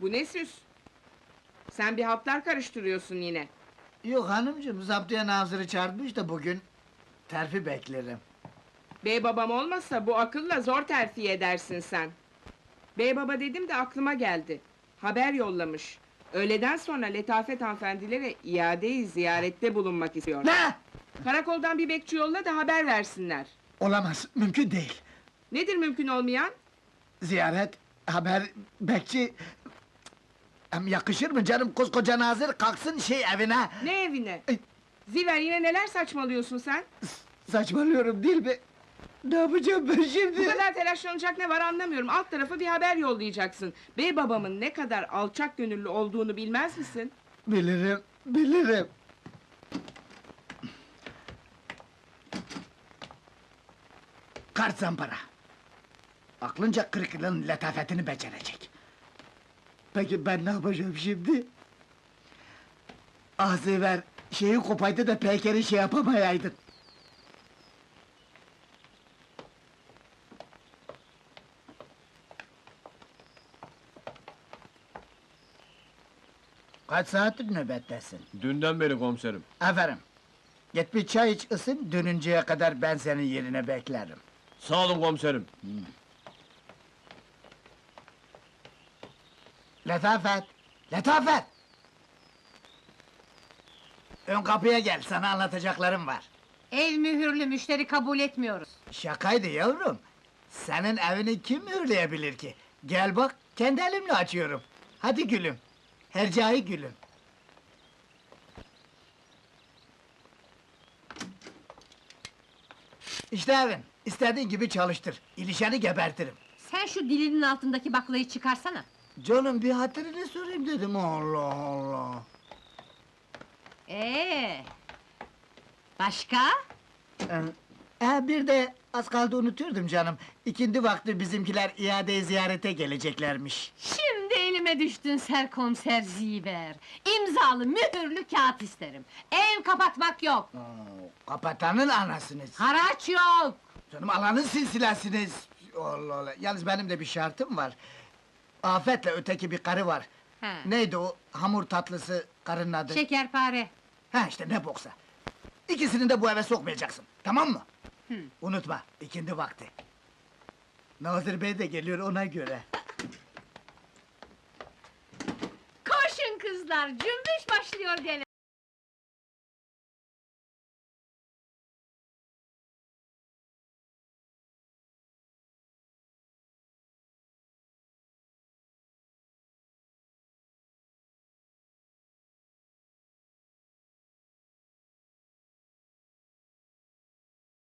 Bu ne süs? Sen bir hatlar karıştırıyorsun yine. Yok hanımcığım, zaptiye nazırı çağırmış da bugün terfi beklerim. Bey babam olmasa bu akılla zor terfi edersin sen. Bey baba dedim de aklıma geldi. Haber yollamış. Öğleden sonra Letafet hanımefendilere iade-i ziyarette bulunmak istiyor. Ne? Karakoldan bir bekçi yolla da haber versinler. Olamaz, mümkün değil. Nedir mümkün olmayan? Ziyaret, haber, bekçi... Hem yakışır mı canım, koskoca nazır kalksın evine! Ne evine? Ay. Ziver, yine neler saçmalıyorsun sen? Saçmalıyorum değil mi? Ne yapacağım ben Bu şimdi? kadar telaşlanacak ne var anlamıyorum. Alt tarafa bir haber yollayacaksın. Bey babamın ne kadar alçak gönüllü olduğunu bilmez misin? Bilirim, bilirim. Kart zampara. Aklınca 40 yılın letafetini becerecek. Peki ben ne yapacağım şimdi? Ah Ziver, şeyi kopaydı da Peyker'i yapamayaydın. Kaç saattir nöbettesin? Dünden beri komiserim. Aferin. Git bir çay iç ısın, dönünceye kadar ben senin yerine beklerim. Sağ olun komiserim. Letafet! Letafet! Ön kapıya gel, sana anlatacaklarım var. Ev mühürlü, müşteri kabul etmiyoruz. Şakaydı yavrum. Senin evini kim mühürleyebilir ki? Gel bak, kendi elimle açıyorum. Hadi gülüm. Hercai gülüm. İşte evin. İstediğin gibi çalıştır. İlişeni gebertirim. Sen şu dilinin altındaki baklayı çıkarsana. Canım bir hatırını sorayım dedim. Allah Allah. Başka? Bir de az kaldı unutuyordum canım. İkindi vakti bizimkiler iade ziyarete geleceklermiş. Şimdi elime düştün serkomiser Ziver. İmzalı, mühürlü kağıt isterim. Ev kapatmak yok. Kapatanın anasınız. Haraç yok. Canım alanın silsilesiniz. Allah Allah. Yalnız benim de bir şartım var. Afet'le öteki bir karı var. Ha. Neydi o hamur tatlısı karının adı? Şekerpare. Ha işte ne boksa. İkisini de bu eve sokmayacaksın. Tamam mı? Unutma, ikindi vakti. Nazır Bey de geliyor ona göre. Koşun kızlar, cümbüş başlıyor gene.